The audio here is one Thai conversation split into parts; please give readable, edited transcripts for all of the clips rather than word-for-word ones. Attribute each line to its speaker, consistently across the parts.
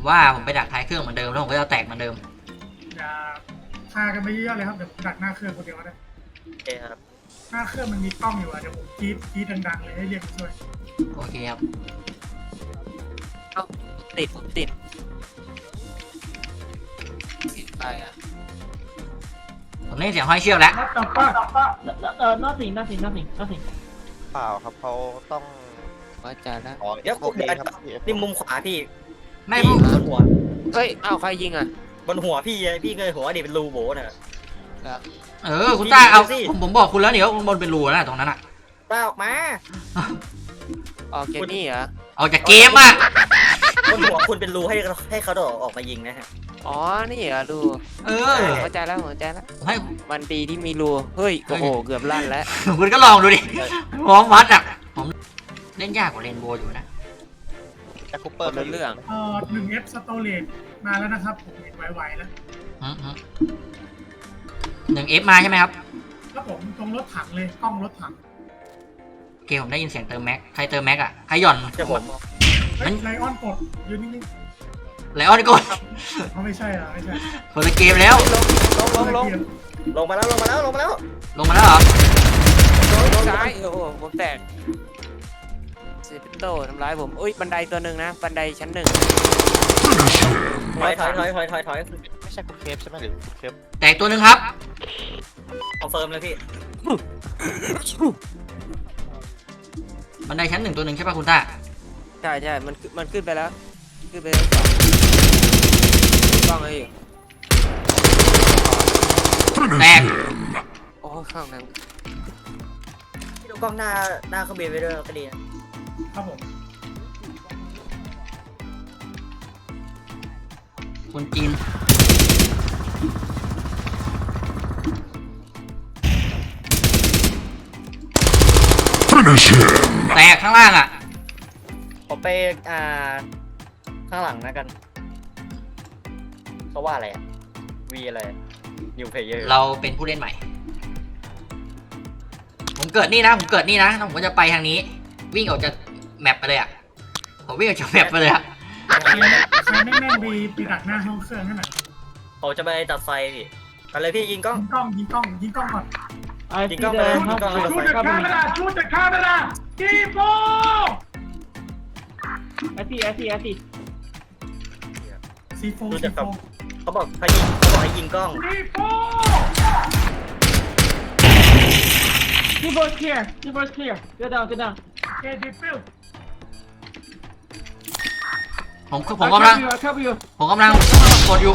Speaker 1: ว่าผมไปดักท้ายเครื่องเหมือนเดิมแล้วผมก็จะแตกเหมือนเดิม
Speaker 2: อย่าพากันไปเยอะเลยครับเดี๋ยวผมดักหน้าเครื่องคนเดียวก็ได้
Speaker 3: โอเคครับ
Speaker 2: หน้าเครื่องมันมีกล้องอยู่อะเดี๋ยวผมกรี๊ดดังๆเลยให้เรียกมาช่วย
Speaker 1: โอเคครับ
Speaker 4: ติดผมติดไปอ่ะ
Speaker 1: ผมได้ยินเสียงห้อยเชือกแล้ว
Speaker 2: นับต่อป้า
Speaker 5: nothing
Speaker 6: เปล่าครับเขาต้อง
Speaker 4: ว่าจะแล้ว
Speaker 6: ขอ
Speaker 3: เดี๋ยว
Speaker 6: พวกนี้ครับ
Speaker 3: นี่มุมขวาพี่
Speaker 1: ไม่
Speaker 3: พี่
Speaker 1: ผม
Speaker 3: บนหัว
Speaker 4: เฮ้ยอ้าวใครยิงอ่ะ
Speaker 3: บนหัวพี่พี่เคยหัวดิเป็นรูโบน่ะ
Speaker 1: คุณต้าเอา
Speaker 3: สิ
Speaker 1: ผมบอกคุณแล้วเดี๋ยวบนเป็นรูนะตรงนั้นอะ
Speaker 3: ต้าออกมา
Speaker 4: ออกเกมนี่เหรอ
Speaker 1: ออกจากเกมอะ
Speaker 3: บนหัวคุณเป็นรูให้เขาออกมายิงนะฮะ
Speaker 4: อ๋อนี่เหรอดู
Speaker 1: เออ
Speaker 4: เข้าใจแล้วเข้าใจแล้ว
Speaker 1: ผมให้
Speaker 4: มันดีที่มีรูเฮ้ยโอ้โหเกือบลั่นแล้ว
Speaker 1: คุณก็ลองดูดิมองวัดอะผมเล่นยากกว่าเรนโบว์อยู่นะ
Speaker 6: แจ็คคูเป
Speaker 4: ค
Speaker 6: อร์
Speaker 4: นละเรื่อง
Speaker 2: 1F storage มาแล้วนะครับผมเห็นไวๆแล้ว
Speaker 1: 1F มาใช่ไหมครับ
Speaker 2: แล้วผมตรงรถถังเลยกล้องรถถัง
Speaker 1: โอเคผมได้ยินเสียงเติมแม็กใครเติมแม็กอะใครหย่อน
Speaker 3: จะผม
Speaker 2: เฮ้ยไลออนกดยืนนิ่ง
Speaker 1: ไลออนกด
Speaker 2: ๆเขาไม่ใช่เหรอไม่ใช่
Speaker 1: คนละเกมแล้ว
Speaker 4: ลง
Speaker 3: ลงมาแล้วลงมาแล้วลงมาแล้ว
Speaker 1: ลงมาแล้วเหรอ
Speaker 4: ซ้ายโอ้โหผมแตกเซปิโต้ทำร้ายผมอุ้ยบันไดตัวหนึ่งนะบันไดชั้นหนึ่ง
Speaker 3: ถอย
Speaker 6: ไม่ใช่คุณเคฟใช่ไหมหรือคุณเคฟ
Speaker 1: แตกตัวหนึ่งครับ
Speaker 3: คอนเฟิร์มเลยพี่
Speaker 1: บันไดชั้น 1ตัวหนึ่งใช่ป่ะคุณต้า
Speaker 4: ใช่ใช่มันขึ้นไปแล้วขึ้นไปแล้วกล้องเลย
Speaker 1: แตก
Speaker 4: โอ้ข้างนั้น
Speaker 3: พี่ดูกล้องหน้าเครื่องบินไปด้วยก็ดีนะครับ
Speaker 2: ผม
Speaker 1: คนจีนแตกข้างล่างอะ
Speaker 3: ผมไปข้างหลังนะกันเขาว่าอะไรอ่ะวีอะไรนิวเพเยอร์
Speaker 1: เราเป็นผู้เล่นใหม่ ผมเกิดนี่นะผมเกิดนี่นะแล้วผมก็จะไปทางนี้ วิ่งออกจากแมปไปเลยอะผมวิ่งออกจากแมปไปเลยอะ
Speaker 2: ใครแม่งๆไปดักหน้าห้องเครื่องให้หน่อย
Speaker 3: เขาจะไปตัดไฟพี่ไปเลยพี่ยิงกล้อง
Speaker 2: ยิงกล้องก่อน
Speaker 3: ยิงกล้องไปเลยยิงกล้องเลย
Speaker 2: ชูดจากคาเมรากีโฟ
Speaker 5: I see
Speaker 2: ซีโฟ
Speaker 3: เขาบอกให้ยิงกล้อง
Speaker 2: ซีโฟ
Speaker 5: keyboard clear go down
Speaker 2: เคดิฟิล
Speaker 1: ผมกำลัง
Speaker 5: I cover you
Speaker 1: ผมกำลังกดอยู่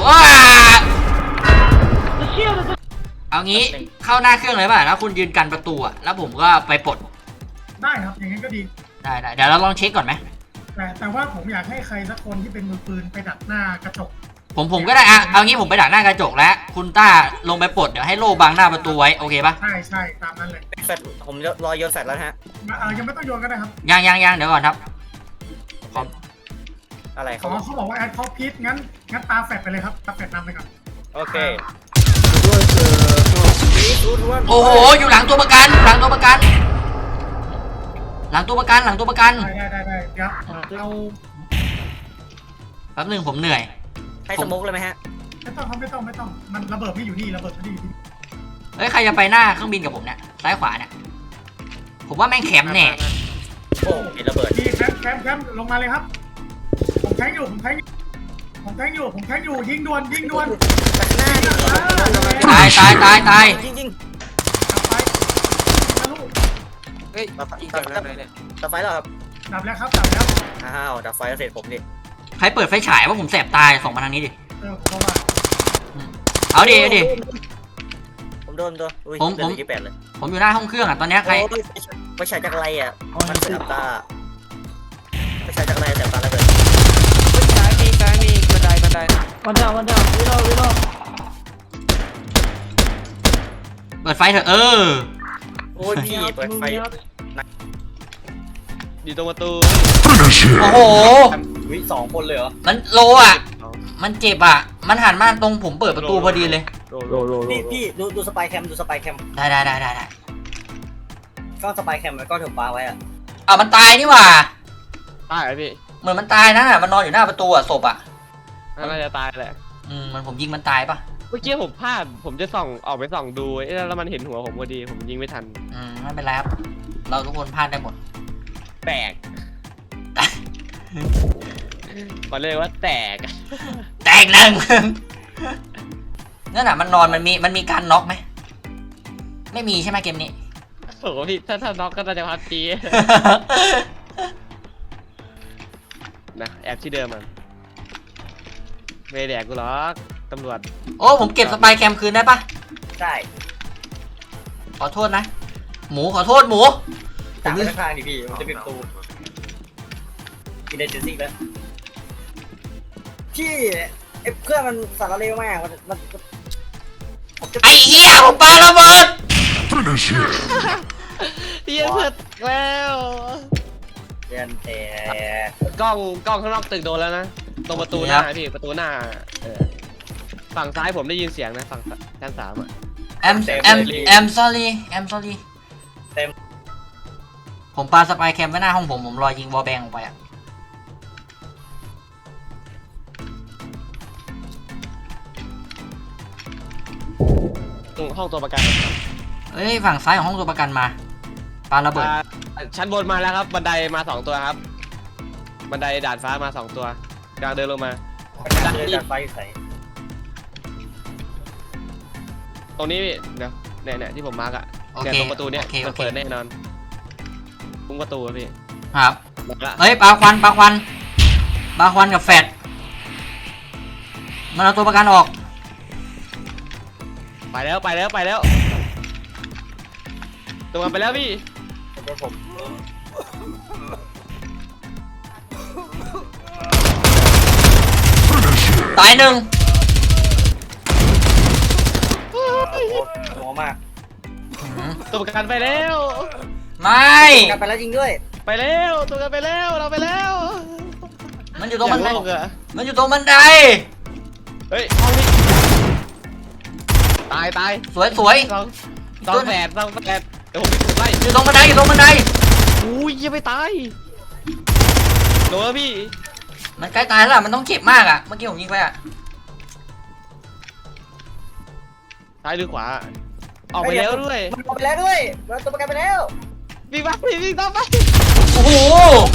Speaker 5: the shield is
Speaker 1: เอางี้เข้าหน้าเครื่องเลยป่ะแล้วคุณยืนกันประตูอะแล้วผมก็ไปปลด
Speaker 2: ได้ครับอย่างนั้นก็ดี
Speaker 1: ได้เดี๋ยวเราลองเช็คก่อนไหม
Speaker 2: แต่ว่าผมอยากให้ใครสักคนที่เป็นมือปืนไปดักหน้ากระจก
Speaker 1: ผมก็ได้อะเอางี้ผมไปดักหน้ากระจกแล้วคุณต้าลงไปปลดเดี๋ยวให้โล่บังหน้าประตูไว้โอเคป่ะ
Speaker 2: ใช่ตามนั้นเลย
Speaker 3: แฟลชผมรอโยนแฟลชแล้วนะฮะ
Speaker 2: ยังไม่ต้องโยนก็ได้ครับ
Speaker 1: ยังเดี๋ยวก่อนครับ
Speaker 3: อะไร
Speaker 2: เขาบอกว่าแอดเขาพีทงั้นตาแฟดไปเลยครับตาแฟดนำไปก่อน
Speaker 3: โอเค
Speaker 1: โอ้โหอยู่หลังตัวประกันหลังตัวประกัน
Speaker 2: ได้เดี๋ยวเอา
Speaker 1: แป๊บนึงผมเหนื่อย
Speaker 3: ให้สมุกเลยไหมฮะ
Speaker 2: ไม่ต้องมันระเบิดไม่อยู่นี่ระเบิดไม่ได้อยู่นี่
Speaker 1: เฮ้ยใครจะไปหน้าเครื่องบินกับผมเนี่ยซ้ายขวาเนี่ยผมว่าแม่งแคมป์แน่
Speaker 3: โอ้เห็นระเบิด
Speaker 2: ดีแคมป์ลงมาเลยครับผมแทงอยู่ยิงด่วน
Speaker 3: ตัดหน้าดิ
Speaker 1: ตาย
Speaker 3: จริง
Speaker 2: ดับไฟทะลุ
Speaker 4: เฮ้ยยิงจากไหนเนี่ย
Speaker 3: ๆดับไฟแล้วครับ
Speaker 2: ดับแล้ว
Speaker 3: อ้าวดับไฟเสร็จผมดิ
Speaker 1: ใครเปิดไฟฉายว่าผมแสบตายส่องมาทางนี้ดิ
Speaker 2: ผมว่า
Speaker 1: เอาดิ
Speaker 3: ผมโดนตัวอุ้ย
Speaker 1: ผม
Speaker 3: เดือนที่8เลย
Speaker 1: ผมอยู่หน้าห้องเครื่องอ่ะตอนเนี้ยใคร
Speaker 3: ไม่ใช่จากไรอ่ะมันเสียบตาไม่ใช่จากไรเสียบตาแล้วเลย
Speaker 4: ซ้ายมีบันได
Speaker 5: one down reload
Speaker 1: เปิดไฟเถอะ
Speaker 3: โอ้ยพี่เปิดไฟ
Speaker 6: อยู่ตรงประตู
Speaker 1: โอ้โห
Speaker 3: วิ2 คนเลยเหรอ
Speaker 1: มันโลอ่ะมันเจ็บอ่ะมันหันมาตรงผมเปิดประตูพอดีเลย
Speaker 3: พี่ดูสไปแคม
Speaker 1: ได้
Speaker 3: ก็สไปแคมแล้วก็ถือปลาไว้อ่ะ
Speaker 1: มันตายนี่หว่า
Speaker 6: ตายเหรอพี่
Speaker 1: เหมือนมันตายนะมันนอนอยู่หน้าประตูอ่ะศพอ่ะ
Speaker 7: น่าจะตายแหละ
Speaker 1: มันผมยิงมันตายปะ
Speaker 7: เมื่อกี้ผมพลาดผมจะส่องออกไปส่องดูแล้วมันเห็นหัวผมพอดีผมยิงไม่ทัน
Speaker 1: ไม่เป็นไรครับ เราทุกคนพลาดได้หมด
Speaker 7: แตกขอเรียกว่าแตก
Speaker 1: แตกหนึ่ง นั่นน่ะมันนอนมันมีการน็อกไหมไม่มีใช่ไหมเกมนี้
Speaker 7: โอ้โหพี่ถ้าน็อกก็น่าจะพัดจีนะแอบที่เดิมมันไม่แดกกูหรอกตำรวจ
Speaker 1: โอ้ผมเก็บสปายแคมคืนได้ปะ
Speaker 3: ได้
Speaker 1: ขอโทษนะ หมูขอโทษหมู
Speaker 3: จับไปข้างๆดิพี่มันจะปิดประตูกินได้เจนซิ่งแล้วพี่ไอ้เครื่องมันสั่นระเร็วมากมันผมจะ
Speaker 1: ไอ้เหี้ยผมปาระเบิด
Speaker 7: เฮียเสร็จแล้ว
Speaker 3: เรียนแต่
Speaker 7: กล้องข้างนอกตึกโดนแล้วนะตรงประตูหน้าพี่ประตูหน้าฝั่งซ้ายผมได้ยินเสียงนะฝั่งชั้น 3อ่ะ
Speaker 1: I'm sorry I'm sorry ผมปาสปายแคมไว้หน้าห้องผมรอยิงวอลแบงออกไปอ่ะ
Speaker 7: ตรงห้องตัวประกัน
Speaker 1: เอ้ยฝั่งซ้ายของห้องตัวประกันมาปาระเบิด
Speaker 7: ชั้นบนมาแล้วครับบันไดมา2ตัวครับบันไดดาดฟ้ามา2ตัวกำลังเดินลงมา
Speaker 3: เดินจากไฟใส่
Speaker 7: ตรงนี้พี่เดี๋ยวเนี่ยที่ผมมาร์กอ่ะ
Speaker 1: โอ
Speaker 7: เนี่ย
Speaker 1: เค
Speaker 7: ตรงประตูเนี่ย
Speaker 1: โอเค
Speaker 7: มันเปิดแน่นอนปุ้งประตูอะพี่
Speaker 1: ครับ
Speaker 7: มาละ
Speaker 1: เฮ้ยปาควันกับแฟดมันเอาตัวประกันออก
Speaker 7: ไปแล้วตัวมันไปแล้วพี่
Speaker 3: เป็นผม
Speaker 1: ตายหนึ่ง
Speaker 3: โอ้โหหัวมาก
Speaker 7: ตัวประกันไปแล้ว
Speaker 1: ไม่
Speaker 3: กลับไปแล้วจริงด้วย
Speaker 7: ไปแล้วตัวกันไปแล้วเราไปแล้ว
Speaker 1: มันอยู่ตรงบันได
Speaker 7: อย่าโลกอะ
Speaker 1: มันอยู่ตรงบันได
Speaker 7: เฮ้ยห้องนี้ตาย
Speaker 1: สวย
Speaker 7: ต้องแฝดเดี๋ยวผมไล่
Speaker 1: อยู่ตรงบันได
Speaker 7: อุ้ยยังไม่ตายโดนแล้วพี่
Speaker 1: มันใกล้ตายแล้วล่ะมันต้องเจ็บมากอ่ะเมื่อกี้ผมยิงไปอ่ะ
Speaker 7: ซ้ายหรือขวาออกไปแล้วด้วย
Speaker 3: มันออกไปแล้วด้วยมันตัวประกันไปแล้ว
Speaker 7: วิ่งตามไป
Speaker 1: โอ้โห